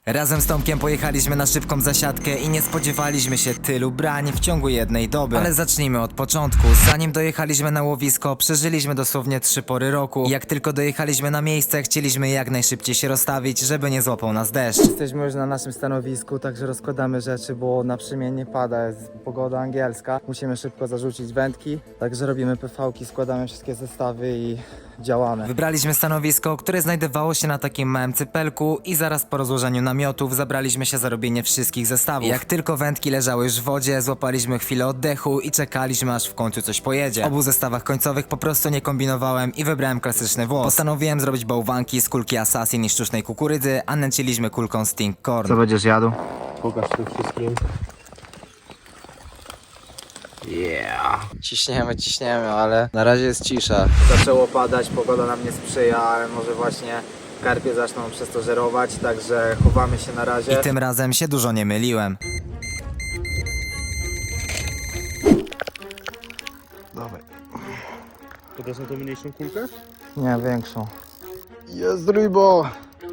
Razem z Tomkiem pojechaliśmy na szybką zasiadkę i nie spodziewaliśmy się tylu brań w ciągu jednej doby. Ale zacznijmy od początku. Zanim dojechaliśmy na łowisko, przeżyliśmy dosłownie 3 pory roku. I jak tylko dojechaliśmy na miejsce, chcieliśmy jak najszybciej się rozstawić, żeby nie złapał nas deszcz. Jesteśmy już na naszym stanowisku, także rozkładamy rzeczy, bo naprzemiennie pada, jest pogoda angielska. Musimy szybko zarzucić wędki, także robimy PV-ki, składamy wszystkie zestawy i działamy. Wybraliśmy stanowisko, które znajdowało się na takim małym cypelku i zaraz po rozłożeniu namiotów zabraliśmy się za robienie wszystkich zestawów. Jak tylko wędki leżały już w wodzie, złapaliśmy chwilę oddechu i czekaliśmy, aż w końcu coś pojedzie. W obu zestawach końcowych po prostu nie kombinowałem i wybrałem klasyczny włos. Postanowiłem zrobić bałwanki z kulki Assassin i sztucznej kukurydzy, a nęciliśmy kulką Sting Corn. Co będziesz jadł? Pokaż tym wszystkim. Ciśniemy, ale na razie jest cisza. Zaczęło padać, pogoda nam nie sprzyja, ale może właśnie karpie zaczną przez to żerować, także chowamy się na razie. I tym razem się dużo nie myliłem. Dawaj. Podasz na tą mniejszą kulkę? Nie, większą. Jest rybo!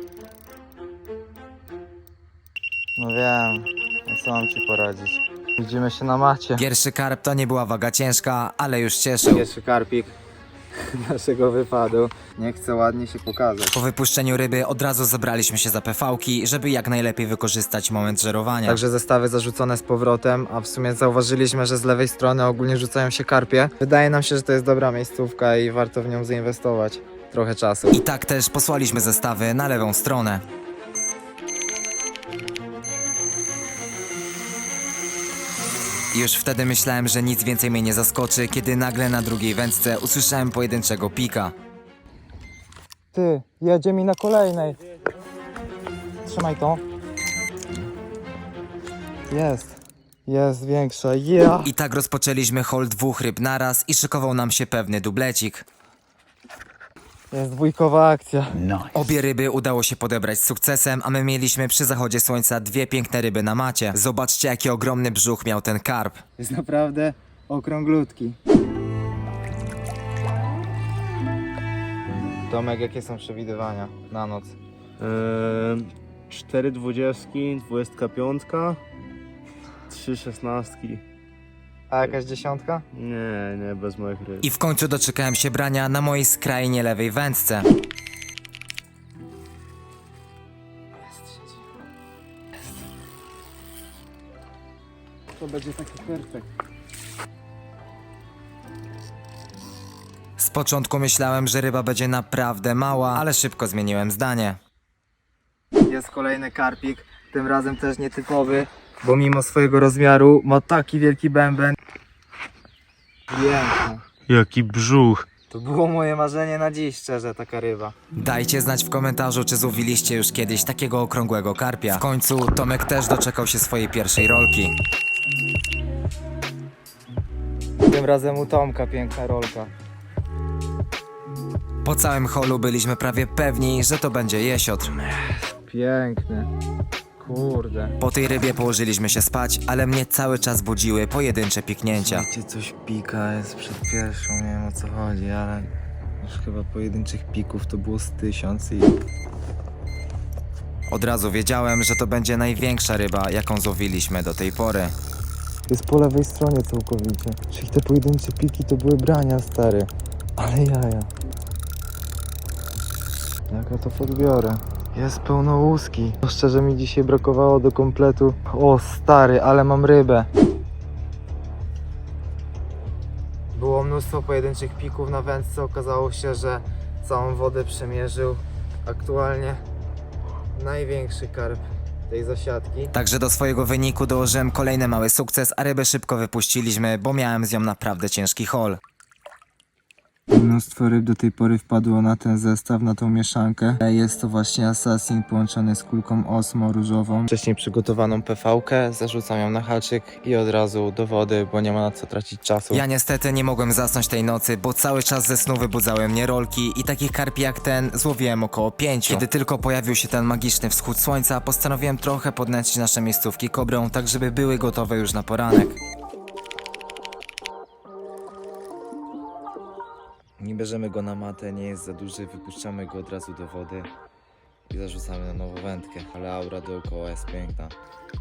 No wiem, no co mam ci poradzić. Widzimy się na macie. Pierwszy karp to nie była waga ciężka, ale już cieszył. Pierwszy karpik naszego wypadu. Nie chcę ładnie się pokazać. Po wypuszczeniu ryby od razu zabraliśmy się za PV-ki, żeby jak najlepiej wykorzystać moment żerowania. Także zestawy zarzucone z powrotem, a w sumie zauważyliśmy, że z lewej strony ogólnie rzucają się karpie. Wydaje nam się, że to jest dobra miejscówka i warto w nią zainwestować trochę czasu. I tak też posłaliśmy zestawy na lewą stronę. Już wtedy myślałem, że nic więcej mnie nie zaskoczy, kiedy nagle na drugiej wędce usłyszałem pojedynczego pika. Ty, jedzie mi na kolejnej. Trzymaj to. Jest większa, yeah. I tak rozpoczęliśmy haul 2 ryb naraz i szykował nam się pewny dublecik. Jest dwójkowa akcja. Obie ryby udało się podebrać z sukcesem, a my mieliśmy przy zachodzie słońca 2 piękne ryby na macie. Zobaczcie, jaki ogromny brzuch miał ten karp. Jest naprawdę okrąglutki. Tomek, jakie są przewidywania na noc? 4 dwudziestki, 25, 3 szesnastki. A jakaś dziesiątka? Nie, bez moich ryb. I w końcu doczekałem się brania na mojej skrajnie lewej wędce. To będzie taki perfekt. Z początku myślałem, że ryba będzie naprawdę mała, ale szybko zmieniłem zdanie. Jest kolejny karpik, tym razem też nietypowy, bo mimo swojego rozmiaru ma taki wielki bęben. Piękna. Jaki brzuch. To było moje marzenie na dziś, szczerze, taka ryba. Dajcie znać w komentarzu, czy złowiliście już kiedyś takiego okrągłego karpia. W końcu Tomek też doczekał się swojej pierwszej rolki. Tym razem u Tomka piękna rolka. Po całym holu byliśmy prawie pewni, że to będzie jesiotr. Piękny. Kurde. Po tej rybie położyliśmy się spać, ale mnie cały czas budziły pojedyncze piknięcia. Gdzie coś pika, jest przed pierwszą, nie wiem o co chodzi, ale już chyba pojedynczych pików to było z 1000 i... Od razu wiedziałem, że to będzie największa ryba, jaką złowiliśmy do tej pory. Jest po lewej stronie całkowicie. Czyli te pojedyncze piki to były brania, stary. Ale jaja. Jak ja to podbiorę? Jest pełno łuski. Szczerze mi dzisiaj brakowało do kompletu. O stary, ale mam rybę. Było mnóstwo pojedynczych pików na wędce. Okazało się, że całą wodę przemierzył. Aktualnie największy karp tej zasiadki. Także do swojego wyniku dołożyłem kolejny mały sukces, a rybę szybko wypuściliśmy, bo miałem z nią naprawdę ciężki haul. Mnóstwo ryb do tej pory wpadło na ten zestaw, na tą mieszankę. Jest to właśnie Assassin połączony z kulką Osmo różową. Wcześniej przygotowaną PV-kę, zarzucam ją na haczyk i od razu do wody, bo nie ma na co tracić czasu. Ja niestety nie mogłem zasnąć tej nocy, bo cały czas ze snu wybudzały mnie rolki i takich karpi jak ten złowiłem około 5. Kiedy tylko pojawił się ten magiczny wschód słońca, postanowiłem trochę podnęcić nasze miejscówki kobrą, tak żeby były gotowe już na poranek. Nie bierzemy go na matę, nie jest za duży, wypuszczamy go od razu do wody i zarzucamy na nową wędkę, ale aura dookoła jest piękna.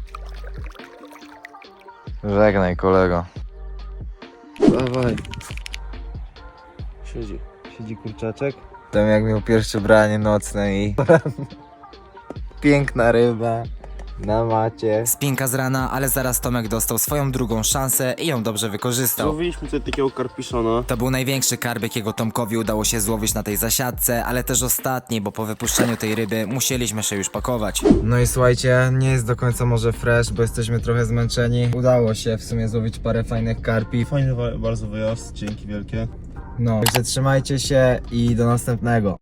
Żegnaj, kolego. Dawaj. Siedzi kurczaczek. Tam jak miał pierwsze branie nocne i piękna ryba na macie. Spinka z rana, ale zaraz Tomek dostał swoją drugą szansę i ją dobrze wykorzystał. Złowiliśmy tutaj takiego karpiszona. To był największy karp, jakiego Tomkowi udało się złowić na tej zasiadce, ale też ostatni, bo po wypuszczeniu tej ryby musieliśmy się już pakować. No i słuchajcie, nie jest do końca może fresh, bo jesteśmy trochę zmęczeni. Udało się w sumie złowić parę fajnych karpi. Fajny bardzo wyjazd, dzięki wielkie. No, także trzymajcie się i do następnego.